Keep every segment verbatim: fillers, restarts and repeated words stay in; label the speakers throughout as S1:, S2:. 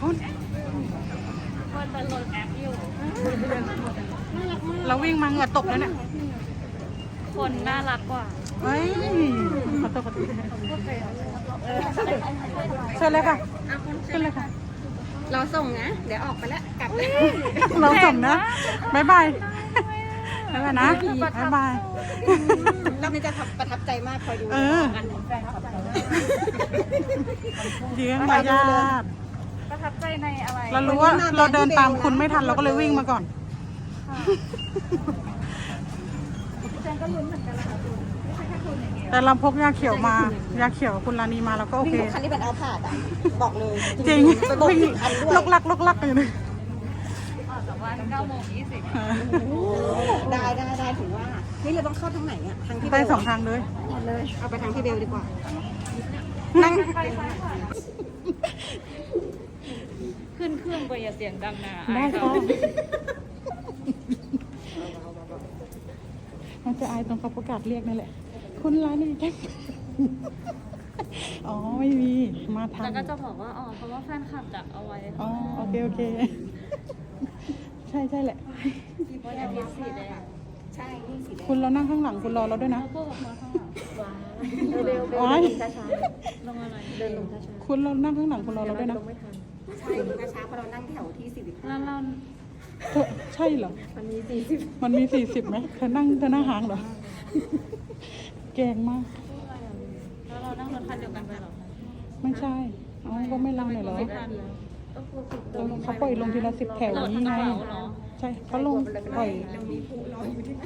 S1: นู้น
S2: คนจะโหลดแอปอยู่
S1: เราวิ่งมาเหงื่อตกแล้วเนี่ย
S2: คนน่ารักกว่า
S1: เฮ้ยขอโทษขอโทษเชิญเลยค่ะเชิญเลยค่ะ
S3: เราส่งนะเดี๋ยวออกไปแล้วกลับเลย
S1: เราส่งนะบายบายบายบายนะบายบาย
S3: เราไม่จะประทับใจมากคอยดู
S1: เออเลี้ยงมายาท
S2: ประทับใจในอะไร
S1: เรารู้ว่าเราเดินตามคุณไม่ทันเราก็เลยวิ่งมาก่อนแต่เราพกยาเขียวมายาเขียวคุณลานีมาเราก็โอเค
S3: คันนี้เป็นเอาผาดอ่ะบอกเลย
S1: จริงวิ่งลกลักลกลักอยู่เลย
S2: ออกจากบ้านเก้าโมงยี่สิบ
S3: ได้ได้ได้ถือว่านี่เราต้องเข้าทางไหนอ่ะทางที่
S1: ไปสองทางเลย
S3: เลยเอาไปทางที่เบลดีกว่า
S1: นั่ง
S2: ขึ้นเครื่องไปอย่าเสียงดังนะ
S1: ได้ค่ะมันจะอายตรงเขาประกาศเรียกนั่นแหละคุณร้านนี้แค่อ๋อไม่มีมาทัน
S2: แล้วก็จะบอกว่าอ๋อเพราะว่าแฟนคลับจัดเอาไว้
S1: อ๋อโอเคโอเคใช่ใช่แหละ
S2: ว่าจะมีสีแดง
S3: ใช่นี่สีแดง
S1: คุณเรานั่งข้างหลังคุณรอเราด้วยนะ
S2: พูดกับมาข้างหลัง
S3: เร็วเร็วช้าช้า
S2: ลงอะไร
S3: เดินลงช้าช้า
S1: คุณเรานั่งข้างหลังคุณรอเราด้วยนะ
S3: ใช่ช้าช้าเพราะเรานั่งแถวที่สี่สิบ
S2: แล้วเรา
S1: ใช่เหรอ
S3: มันมีสี่สิบ
S1: มันมีสี่สิบไหมเธอนั่งเธอนั่งห่างเหรอแกงมาก
S2: แล้วเรานั่งรถคันเดียวกันไปหรอ
S1: ไม่ใช่เอาก็ไม่เล่าหน่อยเหรอเขาปล่อยลงทีละสิบแถวนี้ไงใช่เขาลงปล่อย
S3: เรามีผู้รออยู่ที่ไหน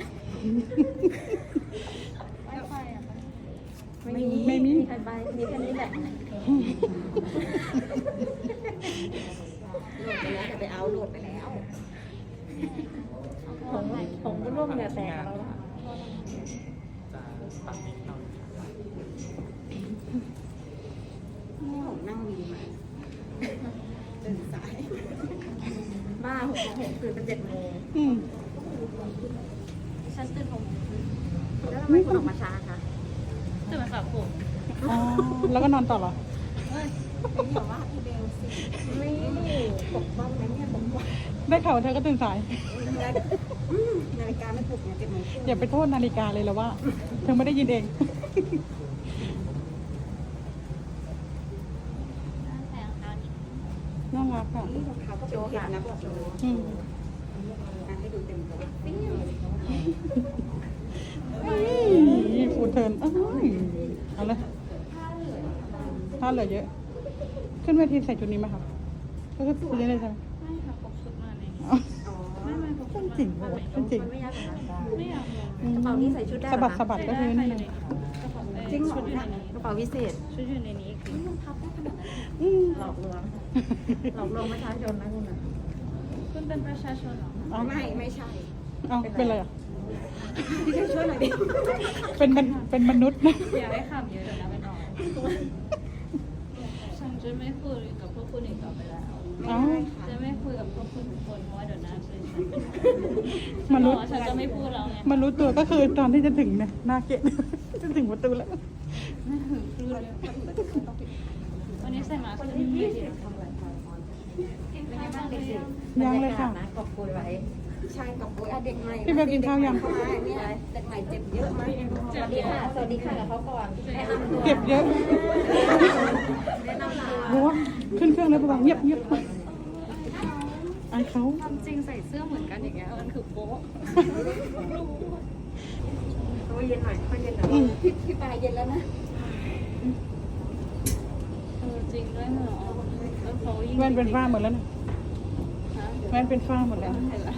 S1: ไม่มีไม่มี
S3: ใครไปมีแค่นี้แหละโหลดไปแล้วจะไปเอาโหลดไปแล้วผมผมก็ร่วมเนื้อแตกแล้วล่ะนี่ผมนั่งวีมาเดินสายบ้าหกโมงหกตื่นเป็นเจ็ดโมง
S2: ฉันตื่นหกโมง
S3: แล้วทำไมคุณออกมาช้าคะ
S2: ตื่นมาสระผม
S1: อ๋อแล้วก็นอนต่อเหรอ
S3: ไม่บอกว่าพี่เบลสิไม่ปกป้องนะเนี่ยปกป้อง
S1: ได้ข่าวเธอก็ตื่นสาย
S3: นาฬิกาไม่ปลุกเนี่ยเจ็ดโมง
S1: อย่าไปโทษนาฬิกาเลยแล้วว่าเธอไม่ได้ยินเองน่ารักค่ะ
S3: นี่รองเท้าก็เป็นเห็ดนะบอกเลยให้ดูเต็มตัว
S1: นี่ฟูเทิร์นเอาเลยถ้าเหลือเยอะขึ้นเวทีใส่ชุดนี้ไหมคะก็คือชุดนี้เลยใช่ไหม
S2: ไม่ค่ะปกชุดมาในนี้
S1: ไม่ไม่ปกชุดจริงจริง
S2: ไม่อยากไม่อยาก
S3: กระเป๋านี้ใส่ชุดได้
S1: สะบัดสะบัดก็คือนี่เลย
S3: จริงเหรอกระเป๋าวิเศษ
S2: ชุดอยู่ในนี้คือ
S3: มันพับได้ขนาดนั้นหลอกลวงหลอกลวงประชาชนนะคุณนะ
S2: คุณเป็นประชาชนเหรอ
S3: ไม่ไม่ใช่
S1: อ้าวเป็นอะไรอ่ะ
S3: พี่ช่วยหน่อยดิ
S1: เป็นมันเป็นมนุษย์นะ
S2: อย่าให้ขำเยอะเดี๋ยวนะไปนอนฉันจะไม่คุยกับพวกคุณอีกต่อไปแล้วจะไม่คุยกับพวกคุณทุกคนเพราะว่าเดี๋ยวนะฉันมนุษย์ฉันจะไม่พูดแล้วไง
S1: มนุษย์ตัวก็คือตอนที่จะถึงเนี่ยหน้าเกตจะถึงประตูแล้ว
S2: ไม่ถึงคือเลยวันนี้ใส่มาคือที่ที่ทำอะไรเป็นยังไงบ้างเด็กๆ
S1: ยังเลยค่ะ
S3: กอบปุยไว้ใช่กอบปุยเด็กใหม่
S1: พี่เบลกินข้าวยัง
S3: เนี่ยเด็กใหม่เจ็บเยอะมากสวัสดีค่ะสวัสดีค่ะกับเขาก่อน
S1: เก็บเยอะรู้ว่าขึ้นเครื่องแล้วประมาณเงียบเงียบไอเขา
S2: ความจริงใส่เสื้อเหมือนกันอย่างเงี้ยมันคือโป๊ะ
S3: ตัวเย็นหน่อยค่อยเย็นหน่อยพี่พี่ปลายเย็นแล้วนะ
S2: เออจริงด้วยเหรอแล้วเขายิ่ง
S1: แว่นเป็นฝ้าหมดแล้วนะแว่นเป็นฝ้าหมดแล้ว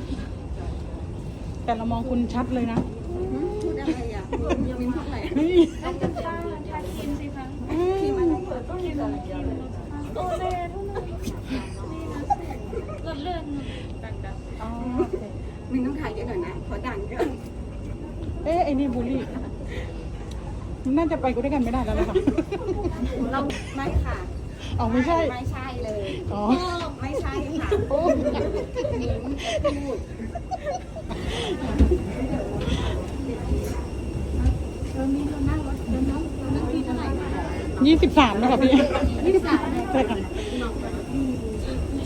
S1: แต่เรามองคุณชัดเลยนะ
S3: พูดอะไรอ่ะยังมีพูดอะไร
S2: ต้องเป็นฝ้าทาครีมสิคะครีมอะไรเปิดต้องครีมอะไรโอเล่เท่านั้นนี่นะรถเลื่อนดังๆอ๋อ
S3: มีต้องถ่ายเยอะหน่อยนะขอดังเยอะ
S1: เอ๊ะไอ้นี่บูลลี่น่าจะไปกูด้วยกันไม่ได้แล้วเลยค่ะ
S3: เราไม่ค่ะ
S1: อ๋อไม่ใช่
S3: ไม่ใช่เลย
S1: อ๋อ
S3: ไม่ใช่ค่ะโอ้นิ้มพูดเรามีเรานั่งรถเรานั่งเรานั่งที่เท่าไหร่
S1: ยี่สิบสามนะครับพี่
S3: ยี่สิบสาม
S1: ใช่ค่ะ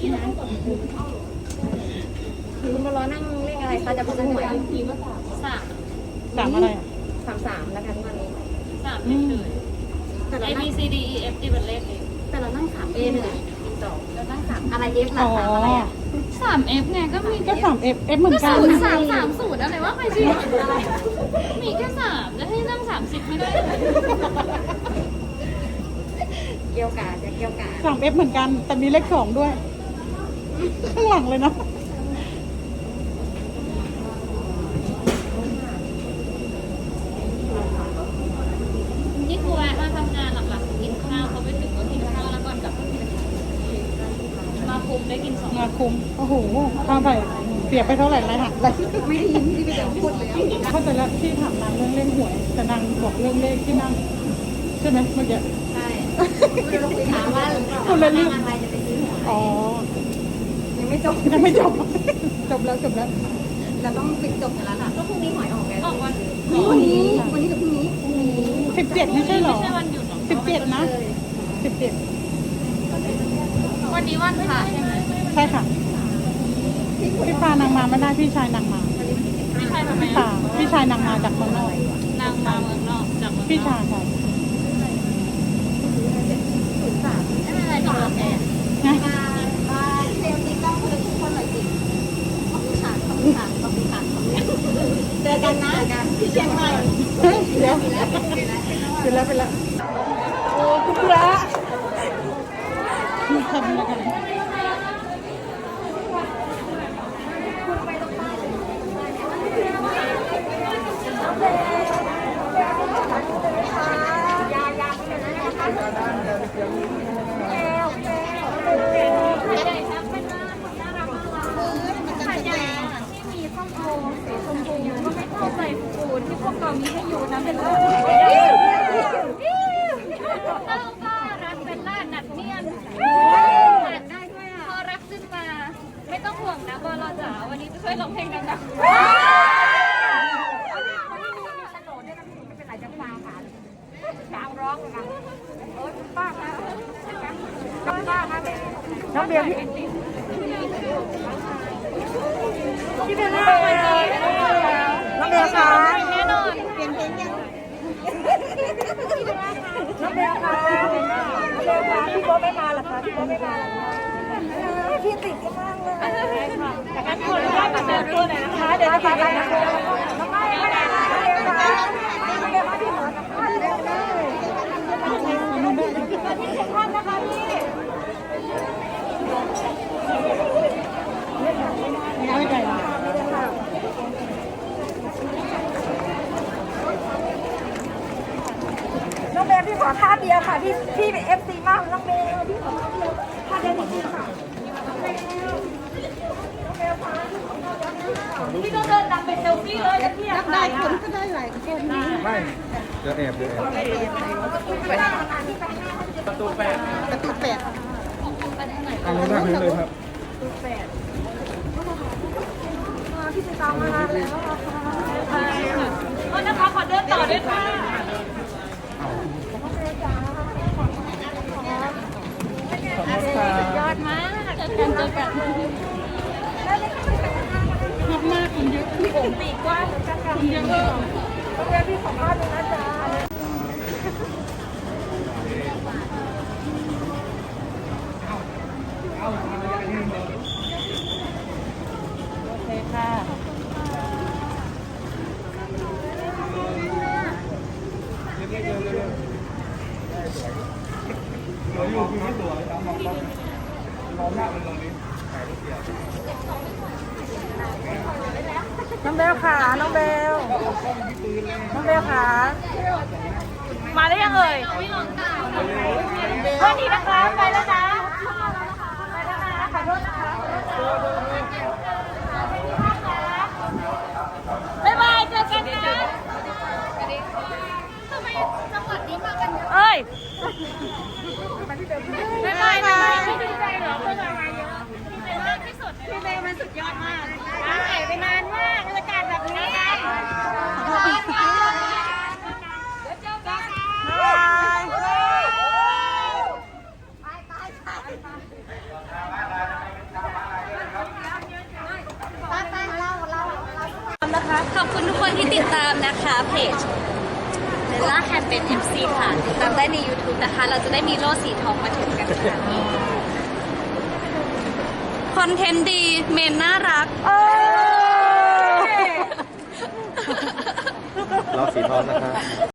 S1: คุ้ม
S3: คุณมารอนั่งเลขอะไรคะจะพูดหวย
S2: สาม
S1: สามอะไรอ่ะ
S3: สามสามแล้วกันวันนี้
S2: สามเฉย
S3: แต่
S2: ๆ
S3: เรา
S2: A
S3: นั่
S2: B
S3: ง
S2: C D E F G เป็นเลขเอง
S3: แต่เรานั่งสามเอหนึ่งสองเรานั่งสามอะไรเอฟหลั
S1: อ๋
S3: ก
S1: อ
S3: สามอะไรอ่ะ
S2: สาม F ไงก็มี
S1: ก็สามเอฟเอฟเหมือนกัน
S2: ศูนย์สามสามศูนย์อะไรวะใครชื่อมีแค่สามจะให้นั่งสามสิบไม่ได้
S3: เกี่ยวกาดจะเกี่ยวกาด
S1: สามเอฟเหมือนกัน แต่มีเลขสองด้วย ข้างหลังเลยนะ
S2: นี่ครูแวะมาทำงานหลักๆกินข้าวเขาไปถึงก็กินข้าวแล้วก่อนกลับมาคุมได้กินสอง
S1: งาคุม โอ้โหข้าวไปเสียไปเท่าไหร่ไรหักเลย
S3: ไม่ได้ยินที่ไปเดี๋ยวพูดเลย
S1: เข้าใจแล้วที่ถามนางเรื่องเล่นหวย แต่นางบอกเรื่องเลขที่นั่ง ใช่ไหมเมื่อกี้
S3: ใช่เราคุยถามว่า
S1: คนละเรื่อง
S3: อะไรจะไปซื้อหวย
S1: อ๋อ
S3: ยังไม่จบ
S1: ยังไม่จบ จบแล้วจบแล้ว
S3: เราต้องปิดจบกันแล้วล่ะก็พรุ่งนี้หวยออกไง
S2: ออกวัน
S3: วันนี้วันนี้กับพรุ่งนี้พรุ่งนี้
S1: สิบเจ็ดไม่ใช่เหรอ
S2: ไม่ใช่วันหยุดหรอ
S1: สิบเจ็ดนะสิบเจ็ด
S2: วันนี้วันพระใช่ไหม
S1: ใช่ค่ะ พี่พานางมาไม่ได้พี่ชายนางมา
S2: พี่ชายทำไม
S1: พี่ตาพี่ชายนางมาจากเมืองนอก
S2: นางมาเมืองนอกจากเมืองนอก
S1: พี่ชายค่ะ
S3: ศูนย์สาม
S2: ไม่เป็นไรจบแล้วแก
S1: นะ
S3: มามาเซลล์ติ๊กต้องคนทุกคนหน่อยสิขอบคุณค่ะขอบคุณค่ะขอบคุณค่ะเจอกันนะที่เชียงใหม่
S1: เฮ้ยเดี๋ยวเป็นแล้วเป็นแล้วโอ้คุณพระทำอะไรกัน
S2: ที่มีส้มโอสีชมพูก็ไม่เข้าใจฟูที่พวกเรามีให้อยู่นะเป็นเรื่องเต้าก็รักเป็นล่าหนักเนียนได้ด้วยอ่ะพอรักขึ้นมา ไม่ต้องห่วงนะบอลจ๋าวันนี้จะช่วยร้องเพลงดังๆ
S1: น้องเบียร์พี่พี่เบียร์น้องเบียร์น้องเบียร์คะ
S2: แน่นอน
S3: เปลี่ยนเพลงยัง
S1: น้องเบียร์คะน้องเบียร์คะพี่โบ๊ทไม่มาหรอคะพี่โบ๊ทไม่มาหรอคะพี่ติดกันมากเลยจากการคนได้มาเจอตัวไหนนะคะเดี๋ยวจะไปนะคะน้องไม่ไม่ได้น้องเบียร์คะน้องเบียร์มาที่หอสัมภาษณ์เลยที่สำคัญนะคะพี่ไม่ได้ค่ะน้องเบลพี่ขอท่าเดียวค่ะพี่พี่เป็นเอฟซีมากน้องเบลพี่ขอท่าเดียวท่าเดียวจริงๆค่ะพี่ต้องเดินนำเป็นเซลฟี่เลยนะพี่นับได้คนก็ได้หลายคนนะ
S4: ไม่เดี๋ยวแอบเดี๋ยวแอบ
S1: ประตูแปดประตูแปด
S4: เอาลงหน้าพื้นเลยครับ
S3: พี่จะตามมาแล้ว
S2: โทษนะคะขอเดินต่อด้วยค่ะยอดมากเจอกันเจอกัน
S1: มากมากคนเยอะพี่ผมปีกกว้างคนเยอะเลยต้องเรียกพี่สัมภาษณ์เลยนะจ๊ะโอเคค่ะ
S4: สวยอยู่คือไม่สวยครับมองกล้องมองหน้าเป็นตรงนี้ถ่ายรูปเดียว
S1: น้องเบลค่ะน้องเบลน้องเบลค่ะ
S2: มาได้ยังเอ่ยวันนี้นะคะ ไปแล้วนะไปแล้วนะขอโทษนะคะบ๊ายบายเจอกันนะทำไมจังหวัดนี้มากันเยอะเอ้ยบ๊ายบายบ๊ายบายไม่ดีใจเหรอเพื่อนมาเยอะพี่เบลมากที่สุดพี่เบลมันสุดยอดมากหายไปนานมากบรรยากาศแบบนี้เดี๋ยวเจอกัน
S1: บาย
S3: ไปไปไป
S2: ขอบคุณทุกคนที่ติดตามนะคะเพจเบลล่าแฮมเป็น เอ็ม ซี ค่ะติดตามได้ใน YouTube นะคะ เราจะได้มีโล่สีทองมาถึงกันค่ะคอนเทนต์ดีเมนน่ารัก
S5: เราสีทองนะครับ